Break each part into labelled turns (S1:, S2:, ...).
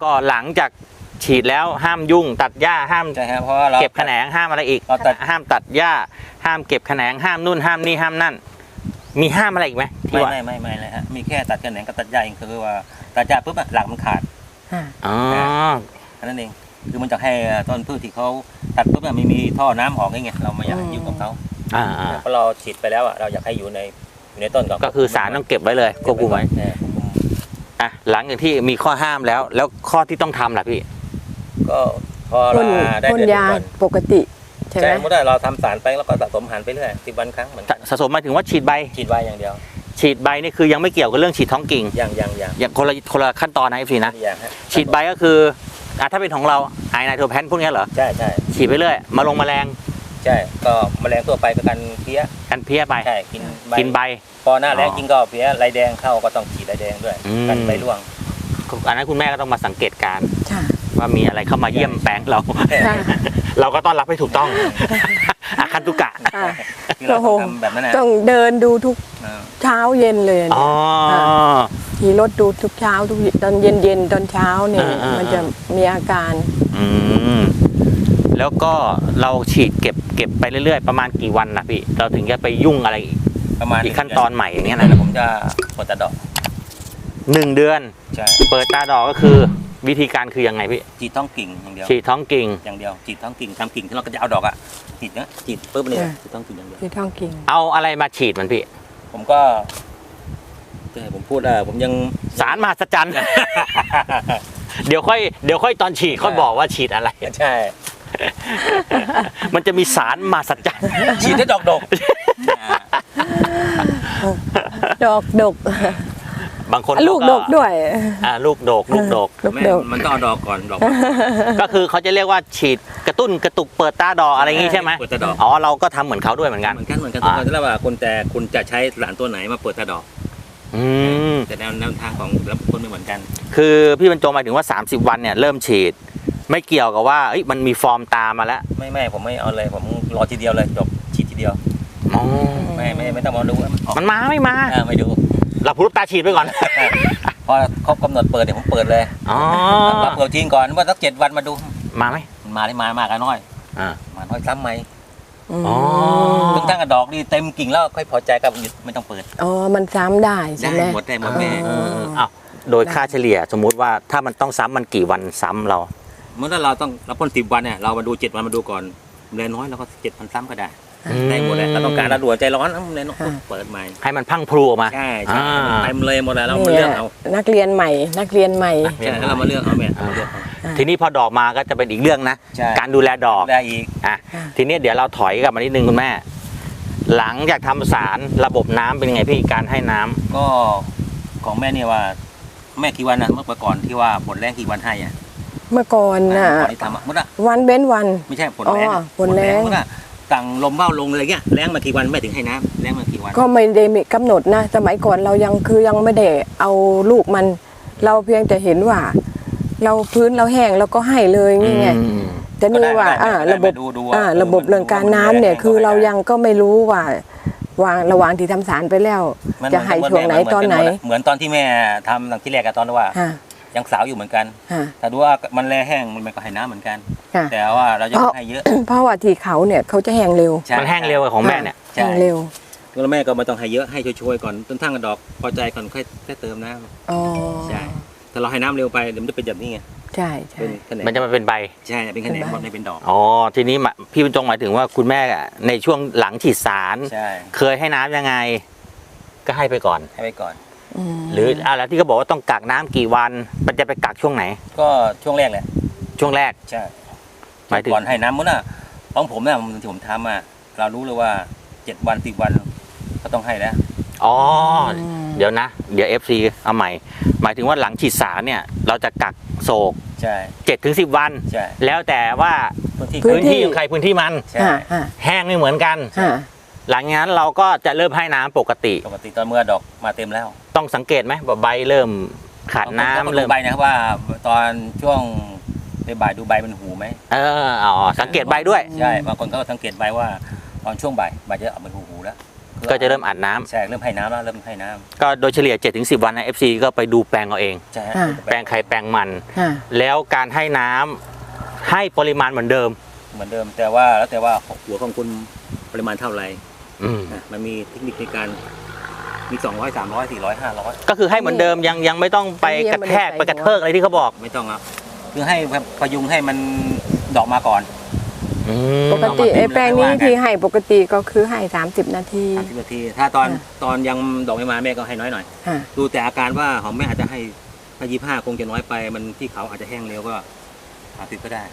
S1: ก็หลังจากฉีดแล้วห้ามยุ่งตัดหญ้าห้าม
S2: ใช่ครับเพราะว่าเรา
S1: เก็บแขนงห้ามอะไรอีก
S2: เราตัด
S1: ห้ามตัดหญ้าห้ามเก็บแขนงห้ามนู่นห้ามนี่ห้ามนั่นมีห้ามอะไรอีกไหมที่ว่า
S2: ไม่เลยฮะมีแค่ตัดแขนงกับตัดหญ้าเองคือว่าตัดหญ้าปุ๊บหลักมันขาด
S1: อ๋อ
S2: แค่นั้นเองคือมันจะให้ต้นพืชที่เขาตัดปุ๊บไม่มีท่อน้ำออกไงเราไม่อยากให้ยุ่งกับเขา เพราะเราฉีดไปแล้วเราอยากให้อยู่ในต้นก่อน
S1: ก็คือสารต้องเก็บไว้เลยควบคุมไว้อ่ะหลังจากที่มีข้อห้ามแล้วข้อที่ต้องทำล่ะพี่
S2: ก็พอเราได้
S3: พ่น
S2: เดือน
S3: ยา
S2: ก่อน
S3: ปกติใช่ไหม
S2: ใช่เมื่อเราทำสารไปแล้วก็สะสมอาหารไปเรื่อย10 วันครั้งเหมือนกัน
S1: สะสมหมายถึงว่าฉีดใบ
S2: ฉีดไว้อย่างเดียว
S1: ฉีดใบนี่คือยังไม่เกี่ยวกับเรื่องฉีดท้องกิ่ง
S2: อย่าง
S1: อย่างคนละขั้นตอนนะพี่นะ
S2: อย่างฮะ
S1: ฉีดใบก็คือถ้าเป็นของเราไอไนโตรแพนพวกนี้เหรอ
S2: ใช่
S1: ฉีดไปเรื่อยมาลงแมลง
S2: ใช่ก็แมลงทั่วไปก็กันเพี้ย
S1: กันเพี้ยไป
S2: ใช่กิน
S1: ใบ
S2: พอหน้าแล้งจริงก็เพี้ยไรแดงเข้าก็ต้องฉีดไรแดงด้วย
S1: อืม
S2: กันใบร่วง
S1: อันนั้นคุณแม่ก็ต้องมาสังเกตการณ์
S3: ค่ะ
S1: ว่ามีอะไรเข้ามาเยี่ยมแปลงเรา
S3: ค่ะ
S1: เราก็ต้อนรับให้ถูกต้องอาคันตุกะ
S3: ค่ะ
S2: ที่เราต้องทำแบบนั้นนะ
S3: ต้องเดินดูทุกเช้าเย็นเลย
S1: อ๋อ
S3: ขี่รถดูทุกเช้าทุกตอนเย็นตอนเช้าเนี่ย มันจะมีอาการ
S1: อืมแล้วก็เราฉีดเก็บไปเรื่อยๆประมาณกี่วันนะพี่เราถึงจะไปยุ่งอะไรอีก
S2: ประมาณ
S1: อีกขั้นตอนใหม่อย่างเงี้ย
S2: นะ
S1: นะ
S2: ผมจะกดตะดอก
S1: 1 เดือน
S2: ใช่
S1: เปิดตาดอกก็คือวิธีการคือยังไงพี่
S2: ฉีดท้องกิ่งอย่างเดียว
S1: ฉีดท้องกิ่ง
S2: อย่างเดียวฉีดท้องกิ่งทำกิ่งที่เราก็จะเอาดอกอ่ะฉีดนะฉีดปุ๊บเนี่ยฉีดท้องกิ่งอย่างเดียว
S3: ที่ท้องกิ่ง
S1: เอาอะไรมาฉีดมันพี่
S2: ผมก็ผมพูดผมยัง
S1: สารมหัศจรรย์ เดี๋ยวค่อยตอนฉีดค่อยบอกว่าฉีดอะไร
S2: ใช่
S1: มันจะมีสารมหัศจรรย์
S2: ฉีดได้ดอก
S3: ดอกดก
S1: บางคน
S3: ลูกดกด้วย
S1: ลูกดก
S3: ลูก
S2: แม่
S3: ดก
S2: มันต้องเอาดอกก่อนดอก
S1: ก็คือเขาจะเรียกว่าฉีดกระตุ้นกระตุกเปิดตาดอกอะไรอย่างงี้ใช่ไหม
S2: เปิดตาดอก
S1: อ๋อเราก็ทำเหมือนเขาด้วยเหมือนกัน
S2: เหมือนกันทุกคนแล้วว่าคุณจะใช้สารตัวไหนมาเปิดตาดอก
S1: อืม
S2: แต่แนวทางของแต่ละคนไม่เหมือนกัน
S1: คือพี่บรรจงหมายถึงว่า30 วันเนี่ยเริ่มฉีด ไม่เกี่ยวกับว่ามันมีฟอร์มตามมาแล้ว
S2: ไม่ผมไม่เอาเลยผมรอทีเดียวเลยจบฉีดทีเดียว
S1: อ๋อ
S2: ไม่ต้องมาดูว่าออก
S1: มันมาไม่มา
S2: ไม่ดู
S1: เราพูดตาฉีดไปก่อน
S2: พอครบกำหนดเปิดเดี๋ยวผมเปิดเลย
S1: อ๋อ
S2: มาเปิดจริงก่อนว่าสัก7 วันมาดู
S1: มาไหม
S2: มันมาได้มากกันน้อย
S1: อ่า
S2: มาน้อยซ้ำไหม
S1: อ๋อ
S2: จนตั้งกระดอกนี่เต็มกิ่งแล้วค่อยพอใจก็หยุดไม่ต้องเปิด
S3: อ๋อ มันซ้ำได้ใช่ไหม
S2: ได้หมดแม่
S1: อ้าวโดยค่าเฉลี่ยสมมุติว่าถ้ามันต้องซ้ำมันกี่วันซ้ำเรา
S2: เมื่อเราพ่น10 วันเนี่ยเรามาดู7 วันมาดูก่อนแรงน้อยเราก็7,000 ซ้ำก็ได้ได้หมดเลยเราต้องการเราด่วนใจร้อนแรงน้อยเปิดใหม่
S1: ให้มันพังพลูออกมา
S2: ใช่
S1: อ่า
S2: เต็มเลยหมดแล้วเรามาเลือกเอา
S3: นักเรียนใหม่
S2: ใช่แล้วเรามาเลือกเอาแม่
S1: ทีนี้พอดอกมาก็จะเป็นอีกเรื่องนะ
S2: ใช่
S1: การดูแลดอก
S2: ได้อีก
S1: ทีนี้เดี๋ยวเราถอยกลับมานิดนึงคุณแม่ หลังจากทำสารระบบน้ำเป็นยังไงพี่การให้น้ำ
S2: ก็ของแม่เนี่ยว่าแม่กี่วันนะเมื่อก่อนที่ว่าผลแรงกี่วันให้อ่ะ
S3: เมื่อก่อนน่ะ
S2: ก่อนที่ทำมุดอ่ะ
S3: วันเว้นวัน
S2: ไม่ใช่ผลแรง
S3: ผลแรง
S2: มุดอ่ะสั่งลมเบ้าลงเลยเงี้ยแรงมากี่วันแม่ถึงให้น้ำแรงมากี่วัน
S3: ก็ไม่ได้มีกำหนดนะ สมัยก่อนเรายังไม่ได้เอาลูกมัน เราเพียงแต่เห็นว่า เราพื้นเราแห้งเราก็ให้เลยนี่ไง แต่นี่ว่าระบบเรื่องการน้ำเนี่ยคือเรายังก็ไม่รู้ว่าวางระหว่างที่ทำสารไปแล้ว จะให้ช่วงไหนตอนไหน
S2: เหมือนตอนที่แม่ทำตอนที่แรกกับตอนว่า ยังสาวอยู่เหมือนกันแต่ดูว่ามันแรงแห้งมันก็ให้น้ำเหมือนกัน แต่ว่าเราจะให้เยอะ
S3: เพราะว่าที่เขาเนี่ยเขาจะแห้งเร็ว
S1: มันแห้งเร็วกว่าของแม่เนี่ย
S3: แห้งเร็ว
S2: แล้วแม่ก็ไม่ต้องให้เยอะให้ช่วยๆก่อนต้นทั้งกระดอกพอใจก่อนค่อยเติมน้ำ
S3: อ๋อ
S2: ใช่ถ้าเราให้น้ำเร็วไปเดี๋ยวมันจะเป็นแบบนี้ไง
S3: ใช่ใช่
S2: เป็นแขนง
S1: มันจะมาเป็นใบ
S2: ใช่เป็นแขนงหมดไม่เป็นดอก
S1: อ๋อทีนี้พี่บรรจงหมายถึงว่าคุณแม่ในช่วงหลังฉีดสาร
S2: ใช่
S1: เคยให้น้ำยังไง ก็ให้ไปก่อน
S2: ให้ไปก่อน
S1: หรืออะไรที่เขาบอกว่าต้องกักน้ำกี่วันมันจะไปกักช่วงไหน
S2: ก็ช่วงแรกแหละ
S1: ช่วงแรก
S2: ใช่
S1: หมายถึง
S2: ก่อนให้น้ำมั้งน่ะของผมเนี่ยที่ผมทำอ่ะเรารู้เลยว่า7 วัน10 วันก็ต้องให้แล้ว
S1: อ๋อเดี๋ยวนะ เดี๋ยว FC เอาใหม่ หมายถึงว่าหลังฉีดสารเนี่ย เราจะกักโศก
S2: ใช่
S1: 7-10 วัน
S2: ใช่
S1: แล้วแต่ว่า
S2: พื้นที่
S1: พื้นที่ของใครพื้นที่มัน
S2: ใช่
S1: แห้งไม่เหมือนกัน หลังจากนั้นเราก็จะเริ่มให้น้ำปกติ
S2: ปกติตอนเมื่อดอกมาเต็มแล้ว
S1: ต้องสังเกตไหมว่าใบเริ่มขาดน้ำ
S2: เริ่
S1: เริ่
S2: ม
S1: ม
S2: ใบนะครับว่าตอนช่วงบ่ายดูใบมันหูไหม
S1: อ๋อสังเกตใบด้วย
S2: ใช่บางคนก็สังเกตใบว่าตอนช่วงบ่ายจะออกเป็นหูแล้ว
S1: ก็จะเริ่มอัดน้ำ
S2: ใช่เริ่มให้น้ำแล้วเริ่มให้น้ำ
S1: ก็โดยเฉลี่ย 7-10 วันนะ FC ก็ไปดูแปลงเอาเอง
S2: ใช่
S1: แปลงใครแปลงมัน
S3: ค่ะ
S1: แล้วการให้น้ำให้ปริมาณเหมือนเดิม
S2: เหมือนเดิมแต่ว่าแล้วแต่ว่าหัวของคุณปริมาณเท่าไหร่
S1: อืม
S2: นะมันมีเทคนิคในการมี200 300 400 500
S1: ก็คือให้เหมือนเดิมยังไม่ต้องไปกระแทกไปกระเทิกอะไรที่เขาบอก
S2: ไม่ต้องครับคือให้พยุงให้มันดอกมาก่อน
S1: อืม
S3: ปกติไอ้แปลงนี้ที่ให้ปกติก็คือให้30 นาที
S2: 30 นาทีถ้าตอนยังดอกไม่มาแม่ก็ให้น้อยหน่อย
S3: ค่ะ
S2: ดูแต่อาการว่าของแม่อาจจะให้ถ้า25คงจะน้อยไปมันที่เขาอาจจะแห้งเร็วก็30ก็ได้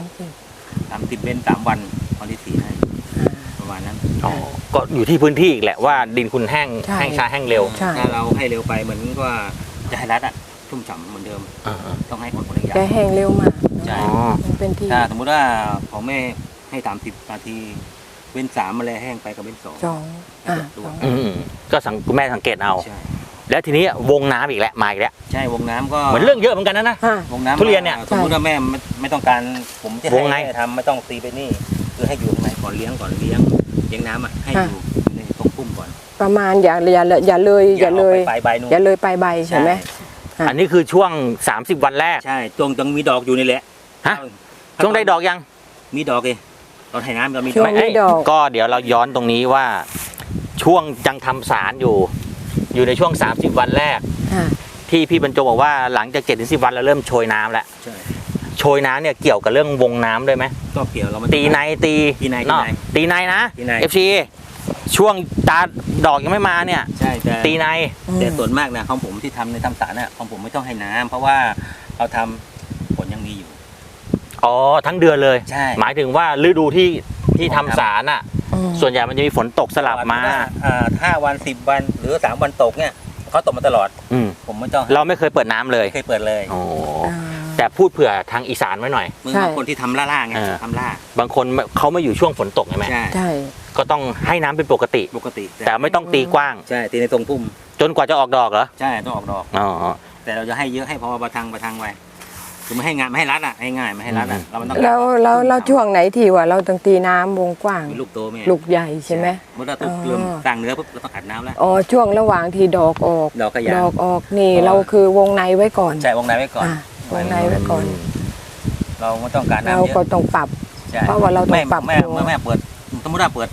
S2: 30เว้น3วันวันที่4ให้ประมาณนั้น
S1: อ๋อก็อยู่ที่พื้นที่อีกแหละว่าดินคุณแห้ง
S3: ใช่
S1: แห้งช้าแห้งเร็ว
S3: ใช่
S2: ถ้าเราให้เร็วไปเหมือนว่าจะให้รัดอะชุ่มฉ่ำเหมือนเดิม
S1: อ่า
S2: ต้องให้คนคนละอย่าง
S3: แกแห้งเร็วมาก
S2: ใช่
S1: อ๋อ
S3: มันเป็นที่
S2: ถ้าสมมติว่าของแม่ให้30 นาทีเว้น3มาแล้วแห้งไปกับเว้น2
S3: สองสอง
S1: อืมก็คุณแม่สังเกตเอา
S2: ใช่
S1: แล้วทีนี้วงน้ำอีกแล้วมาอีกแล้ว
S2: ใช่วงน้ำก็
S1: เหมือนเรื่องเยอะเหมือนกันนะ
S3: ค่ะ
S2: วงน้ำ
S1: ทุเรียนเนี่ย
S2: สมมติว่าแม่ไม่ต้องการผมจะ
S1: วงไง
S2: ให้ทำไม่ต้องตีไปนี่คือให้อยู่ข้างในก่อนเลี้ยงน้ำอ่ะให้อยู่ในตรงพุ่มก่อน
S3: ประมาณอย่าเลยอย่าเลย
S2: ปลายใบนู่น
S3: อย่าเลยปลายใบใช่ไหม ค่ะ
S1: อันนี้คือช่วง30 วันแรก
S2: ใช่จงมีดอกอยู่นี่แหละ
S1: ฮะ ช่วงได้ดอกยัง
S2: มีดอกเลยตอนให้น้ำก็มีด
S3: ช่
S2: อ
S3: ว
S2: ก
S3: งมีดอก
S1: ก็เดี๋ยวเราย้อนตรงนี้ว่า ช่วงยังทำสารอยู่ในช่วง30 วันแรก
S3: ค่ะ
S1: ที่พี่บรรจงบอกว่าหลังจาก7-10 วันเราเริ่มโชยน้ำแล้ว
S2: ใช่
S1: โชยน้ำเนี่ยเกี่ยวกับเรื่องวงน้ำด้วยไหม
S2: ก็เกี่ยวเราไม่
S1: ตีในตี
S2: ตีใน
S1: เนาะตีในนะ
S2: ตีใน
S1: FC ช่วงตาดอกยังไม่มาเนี่ย
S2: ใช่แต่
S1: ตีใน
S2: แต่ส่วนมากนะของผมที่ทำในทำสารน่ะของผมไม่ต้องให้น้ำเพราะว่าเราทำผลยังมีอยู่
S1: อ๋อทั้งเดือนเลย
S2: ใช่
S1: หมายถึงว่าฤดูที่ทำสารอ่ะ ส่วนใหญ่มันจะมีฝนตกสลับมา
S2: 5 วัน 10 วันหรือ3 วันตกเนี่ยเขาตกมาตลอด
S1: อืม
S2: ผมไม่ต้อง
S1: เราไม่เคยเปิดน้ำเลย
S2: เคยเปิดเลย
S1: โอ้แต่พูดเผื่อทางอีสานไว้หน่อย
S2: มึง
S3: ใช่
S2: บางคนที่ทำล่าๆไง
S1: เออ
S2: ทำล่า
S1: บางคนเขาไม่อยู่ช่วงฝนตกใช่ไหม
S2: ใช่
S3: ใช่
S1: ก็ต้องให้น้ำเป็นปกติ
S2: ปกติ
S1: แต่ไม่ต้องตีกว้าง
S2: ใช่ตีในตรงพุ่ม
S1: จนกว่าจะออกดอกเหรอ
S2: ใช่ต้องออกดอก
S1: อ๋อ
S2: แต่เราจะให้เยอะให้พอประทังไว้คือไม่ให้งานไม่ให้รัดอ่ะให้ง่ายไม่ให้รัดอ่ะเรามันต้อง
S3: เราช่วงไหนที่ว่าเราต้องตีน้ำวงกว้าง
S2: มีลูกโตไหม
S3: ลูกใหญ่ใช่ไหม
S2: เมื่อเราต้องเริ่มสร้างเนื้อปุ๊บเราต้องอัดน้ำแล้ว
S3: อ๋อช่วงระหว่างที่ดอกออก
S2: ดอกกระยา
S3: ดอกออกนี่เราคือวงในไว้ก่อน
S2: ใช่วงในไว้ก่อน
S3: วงในไว้ก่อน
S2: เราไม่ต้องการ
S3: เรา
S2: น้ำเย
S3: ก็
S2: อะ
S3: ต้องปรับ
S2: ใช่
S3: เพราะว่าเราต้องปรับ
S2: แม่
S3: ตัว
S2: แม่เปิดสมมติว่าเปิด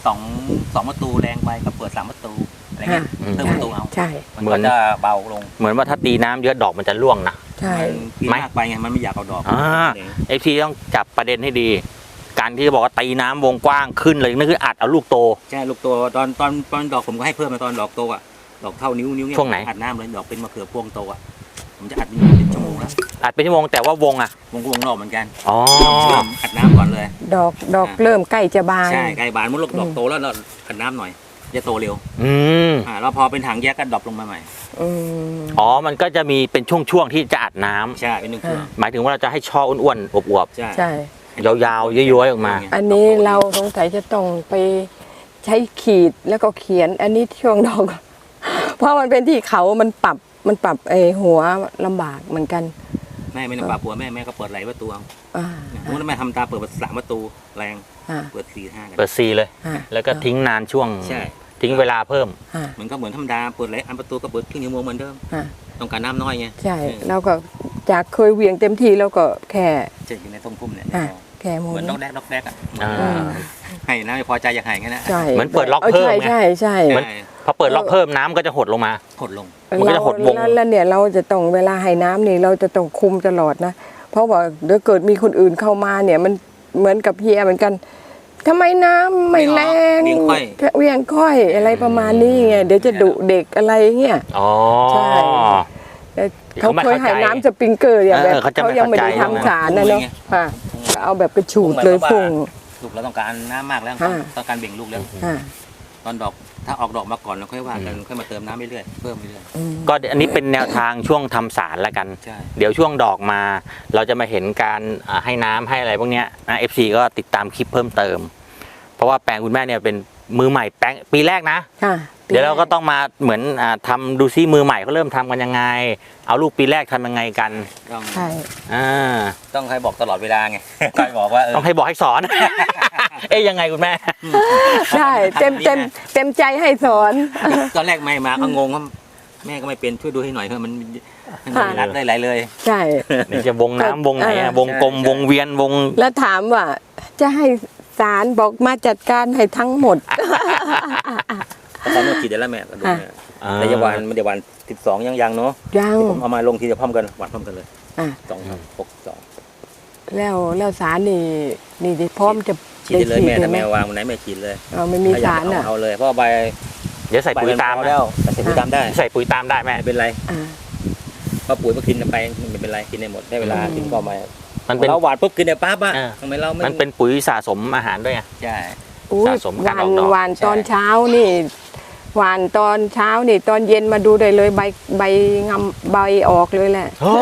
S2: 2ประตูแรงไปก็เปิด3ประตูอะไรเงี้ย เพิ่มประตูเอา
S3: ใช่
S2: มันก็จะเบาลง
S1: เหมือนว่าถ้าตีน้ำเยอะดอกมันจะร่วงนะ
S3: ใช่
S2: มันกิน
S1: ไหม
S2: มากไปไงมันไม่อยากเอาดอก
S1: เอฟซีต้องจับประเด็นให้ดี การที่บอกว่าตีน้ำวงกว้างขึ้นเลยนั่นคืออัดเอาลูกโต
S2: ใช่ลูกโตตอนดอกผมก็ให้เพิ่มมาตอนดอกโตอ่ะดอกเท่านิ้วเงี้ย
S1: ช่วงไหน
S2: อัดน้ำเลยดอกเป็นมะเขือพวงโตอ่ะผมจะอัดเป็นชั่วโมงแล้ว
S1: อัดเป็นชั่วโมงแต่ว่าวงอ่ะ
S2: วงนอกเหมือนกัน
S1: อ๋อ
S2: เชื่อมอัดน้ำก่อนเลย
S3: ดอกเริ่มใกล้จะบาน
S2: ใช่ไก่บานมุดลูกดอกโตแล้วเราอัดน้ำหน่อยจะโตเร็ว
S1: อืม
S2: แล้วพอเป็นถังแยกก็ดรอปลงมาใหม่
S3: อืม
S1: อ๋อมันก็จะมีเป็นช่วงๆที่จะอัดน้ำ
S2: ใช่เป็นหนึ่งเครื่อง
S1: หมายถึงว่าเราจะให้ช่ออ้วนๆอวบ
S2: ใช่
S3: ใช่
S1: ๆยาวๆย้อยๆออกมา
S3: อันนี้เราสงสัยจะต้องไปใช้ขีดแล้วก็เขียน อันนี้ช่วงดอก เพราะมันเป็นที่เขามันปรับไอหัวลำบากเหมือนกัน
S2: แม่ไม่ต้องปรับหัวแม่ก็เปิดไหลประตูเอา
S3: อ่า
S2: สมมติว่าแม่ทำตาเปิด3ประตูแรง
S3: อ่า
S2: เปิด4 5กัน
S1: เปิดซีเลย
S3: อ่า
S1: แล้วก็ทิ้งนานช่วง
S2: ใช่
S1: ทิ้งเวลาเพิ่ม
S3: อ่า
S2: มันก็เหมือนธรรมดาเปิดไหลอันประตูก็เปิดครึ่งชั่วโมงเหมือนเดิม
S3: อ่า
S2: ต้องการน้ำน้อยไง
S3: ใช่เราก็จากเคยเหวี่ยงเต็มที่เราก็แค่
S2: จะอยู่ในตรงพุ่มเนี่ย
S3: แค่หมุ
S2: เหมือน
S3: น
S2: ล็อกแดกอ่ะ
S1: อ่า
S2: ให้น้ำไม่พอใจอยากให้งั้นนะ
S3: ใช่
S1: เหมือนเปิดล็อกเพิ่มไง
S3: ใช่ใช่
S1: เหมือน พอเปิดล็อกเพิ่มน้ำก็จะหดลงมา
S2: หดลง
S1: มันก็จะหดวง
S3: แล้วเนี่ยเราจะต้องเวลาให้น้ำนี่เราจะต้องคุมตลอดนะ เพราะว่าเดี๋ยวเกิดมีคนอื่นเข้ามาเนี่ยมันเหมือนกับเฮียเหมือนกันทำไมน้ำไม่แรง
S2: เวียงค่อย
S3: เวียงค่อยอะไรประมาณนี้ไงเดี๋ยวจะดุเด็กอะไรเงี้ย
S1: อ๋อ
S3: ใช่ แต่เขา
S1: เขาไม่
S3: เคย
S1: เข้าใจ
S3: ให้น้ำสปริงเกอร์อย่างแบบ
S1: เขาจะไม่
S3: เขายังไม่ได้
S1: เข้าใจ
S3: ทำสารนะเนาะค่ะเอาแบบกระฉูดเลยพุ่ง
S2: ลูกเราต้องการน้ำมากแล้ว
S3: อ่า
S2: ต้องการเบ่งลูกแล้ว
S3: อ่า
S2: ตอนดอกถ้าออกดอกมาก่อนเราค่อยว่ากันค่อยมาเติมน้ำเรื่อยๆเพิ่มเรื่อย
S3: อืม
S1: ก็อันนี้เป็นแนวทางช่วงทำสารแล้วกัน
S2: ๆใช่
S1: เดี๋ยวช่วงดอกมา เราจะมาเห็นการให้น้ำให้อะไรพวกเนี้ยนะ FC ก็ติดตามคลิปเพิ่มเติม เพราะว่าแปลงคุณแม่เนี่ยเป็นมือใหม่แปลงปีแรกนะ
S3: ค่ะ
S1: เดี๋ยวเราก็ต้องมาเหมือนทำดูซิมือใหม่เขาเริ่มทำกันยังไง เอาลูกปีแรกทำยังไงกัน
S2: ต้อง
S3: ใช่
S1: อ่า
S2: ต้องใครบอกตลอดเวลาไง ใครบอกว่า
S1: ต้องให้บอกให้สอนเอ๊ยยังไงคุณแม่
S3: ใช่เต็มใจให้สอน
S2: ตอนแรกไม่มาก็งงว่าแม่ก็ไม่เป็นช่วยดูให้หน่อยเถอะมันรัดได้หลายเลย
S3: ใช่
S1: นี่จะวงน้ำวงไหนอะวงกลมวงเวียนวง
S3: แล้วถามว่าจะให้ศาลบอกมาจัดการให้ทั้งหมด
S2: ตอนนี้ฉีดได้แล้วแม่ก็ดูแม่แต่ยาวันไม่ได้วัน12ยังเนาะ
S3: ยัง
S2: ผมเอามาลงทีจะพร้อมกันหวานพร้อมกันเลย
S3: อ่ะ
S2: 2
S3: แล้วศาลนี่พร้อมจะ
S2: ฉีดได้เลยแม่
S3: ได้
S2: แต่
S3: ฉีด
S2: แม่
S3: ไห
S2: วางวันไหนแม่ฉีดเลย
S3: เราไม่มีศาลอ่ะ
S2: เอาเลยเพราะใบ
S1: เดี๋ยวใส่ปุ๋ยตาม
S2: ใบนพอแล้วแต่ใส่ปุ๋ยตามได้
S1: ใส่ปุ๋ยตามได้แม่
S2: ไม่เป็นไร
S3: อ่า
S2: เพราะปุ๋ยมากินไปไม่เป็นไรกินได้หมดได้เวลากินก็มา
S1: มันเป็น
S2: เราหวานปุ๊บกินได้ปั๊บอ่ะ
S1: เออ
S2: ทำไมเรา
S1: มั
S2: มัน
S1: เป็นปุ๋ยสะสมอาหารด้วยไง
S2: ใช่
S3: อุ๊ย
S1: สะสมการออกดอก
S3: หวาน
S2: ใช่
S3: ตอนเช้านี่หวานตอนเช้านี่ตอนเย็นมาดูได้เลยใบงำใบออกเลยแหละ
S1: โอ้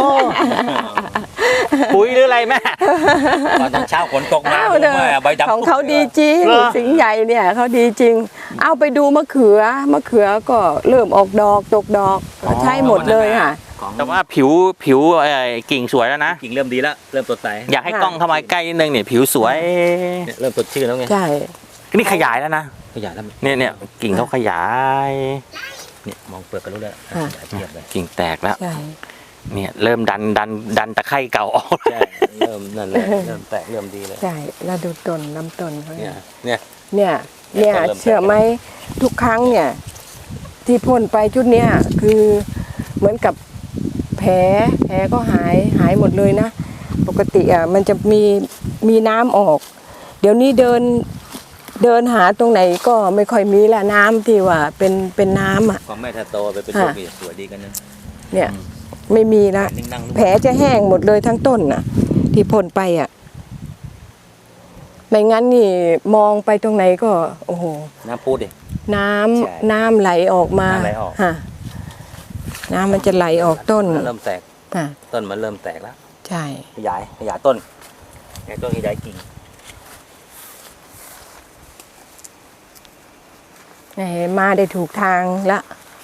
S1: ปุ๋ยหรืออะไรแม่
S2: ตอนเช้าฝนตกมา
S3: อ้าว
S2: ผม
S3: เด้อ
S2: ว่าใบดำ
S3: ของเขาดีจริง
S1: เหรอ
S3: สิงห์ใหญ่เนี่ยเขาดีจริง เอาไปดูมะเขือก็เริ่มออกดอกตกดอกใช้หมดเลยค่ะ
S2: ของ
S1: แต่ว่าผิวกิ่งสวยแล้วนะ
S2: กิ่งเริ่มดีแล้วเริ่มสดใส
S1: อยากให้กล้องเข้ามาใกล้นิดนึงเนี่ยผิวสวย
S2: เนี่ยเริ่มสดชื่นแล้วไง
S3: ใช่
S1: นี่ขยายแล้วนะ
S2: ขยายแล้ว
S1: เนี่ยกิ่งเขาขยาย
S2: เนี่ยมองเปลือกก็รู้แล้วขยายเทียบเลย
S1: กิ่งแตกแล้ว
S3: ใช่
S1: เนี่ยเริ่มดันตะไคร่เก่าออก
S2: ใช่เริ่มนั่นเลยเริ่มแตกเริ่มดีเลย
S3: ใช่แล้วดูต้นลำต้นเขา
S2: เนี่
S3: เนี่ย ย
S2: เนี่ย
S3: เนี่ย
S2: เริ่มแตก
S3: เชื่อไหมทุกครั้งเนี่ย ที่พ่นไปชุดเนี้ยคือเหมือนกับแผลก็หายหมดเลยนะ ปกติอ่ะมันจะมีน้ำออก เดี๋ยวนี้เดินหาตรงไหนก็ไม่ค่อยมีละน้ำที่ว่าเป็นน้ำอ่ะ
S2: ของแม่ถ้าโตไปเป็นลูกนี่สวยดีกันนะ
S3: เนี่ยไม่มีละ
S2: นิ่งนั่ง
S3: แผลจะแห้งหมดเลยทั้งต้นน่ะ ที่พ่นไปอ่ะไม่งั้นนี่มองไปตรงไหนก็ โอ้โห
S2: น้ำพูดดิ
S3: น้ำ
S2: ใช่
S3: น้ำไหลออกมา
S2: น้ำไหลออก
S3: ฮะน้ำมันจะไหลออกต้น
S2: เริ่มแตก
S3: อ่ะ
S2: ต้นมันเริ่มแตกแล้ว
S3: ใช่
S2: ขยายต้นขยายกิ่ง
S3: มาได้ถูกทางละ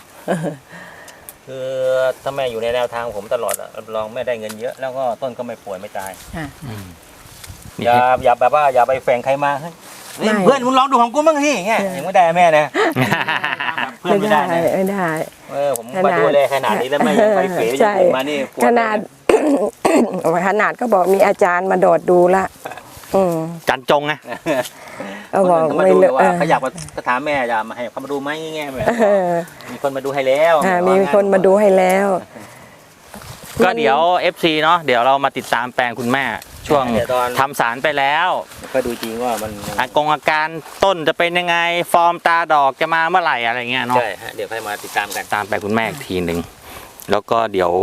S2: คือถ้าแม่อยู่ในแนวทางผมตลอดอะรับรองแม่ได้เงินเยอะแล้วก็ต้นก็ไม่ป่วยไม่ตาย
S3: อ่ะ
S2: อย่าแบบว่าอย่าไปแฝงใครมาเฮ้ย
S3: ไม่
S2: เพื่อนมึงลองดูของกูบ้างสิเงี้ยยังไม่ได้แม่นะเพื่อนไม่ได้นะ
S3: ไม่ได้
S2: ผมมาดูเลยขนาดนี้แล้วแม่ยังไปเฟย
S3: ใช่
S2: ยังมานี่ปว
S3: ขนาด ขนาดก็บอกมีอาจารย์มาโดดดูละอืม
S1: จันจงไง
S3: เอาบอก
S2: คนมา
S3: ไม่
S2: ดู
S3: เล
S2: เลย
S3: ย
S2: ว่าเขาอยากมาถามแม่จะมาให้เขามาดูไหมเงี้ยแบบมีคนมาดูให้แล้ว
S3: มีคนมาดูให้แล้ว
S1: ก็เดี๋ยว FC เนาะเดี๋ยวเรามาติดตามแปลงคุณแม่ ช่วง
S2: เดี๋ยวตอน
S1: ทำสารไปแล้ว
S2: ก็ดูจริงว่ามัน
S1: อาการต้นจะเป็นยังไงฟอร์มตาดอกจะมาเมื่อไหร่อะไรเงี้ยเนาะ
S2: ใช่ฮะเดี๋ยวให้มาติดตามกัน
S1: ตามไปคุณแม่อีกทีหนึ่งแล้วก็เดี๋ยว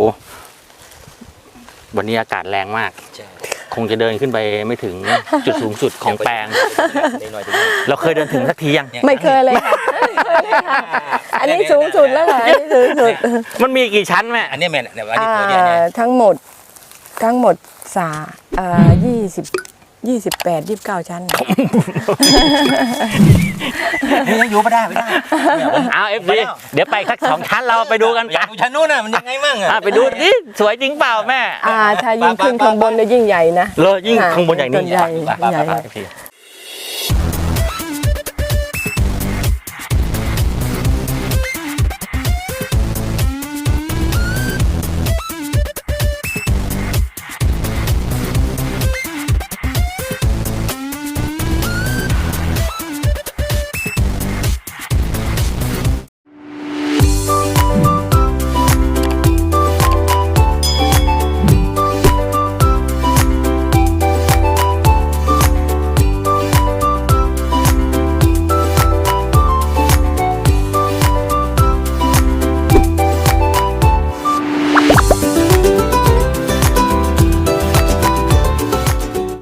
S1: วันนี้อากาศแรงมาก
S2: ใช่
S1: คงจะเดินขึ้นไปไม่ถึงจุดสูงสุดของแปลง
S2: หน่อย
S1: เราเคยเดินถึงสักทียัง
S3: ไม่เคยเลยค่ะอันนี้สูงสุดแล้วค่ะอันนี้สูงสุด
S1: มันมีกี่ชั้นแม่
S2: อันนี้แม่เนี่ยอันนี้ตัวเนี่ย
S3: ทั้งหมด28-29 ชั้น
S2: ยังอยู่ไม่ได้ไม่ได้
S1: เอาเอฟดีเดี๋ยวไปสัก2 ชั้นเราไปดูกัน
S2: อยากดูชั้นนู้นน่ะมันยังไงมั่งอ่ะ
S1: ไปดูดิสวยจริงเปล่าแม่
S3: ถ้ายิ่งขึ้นข้างบนจะยิ่งใหญ่นะ
S1: เลยยิ่งข้างบนอย่างนี้
S3: ต้นใหญ่
S2: ไป
S3: ใหญ่
S2: ไป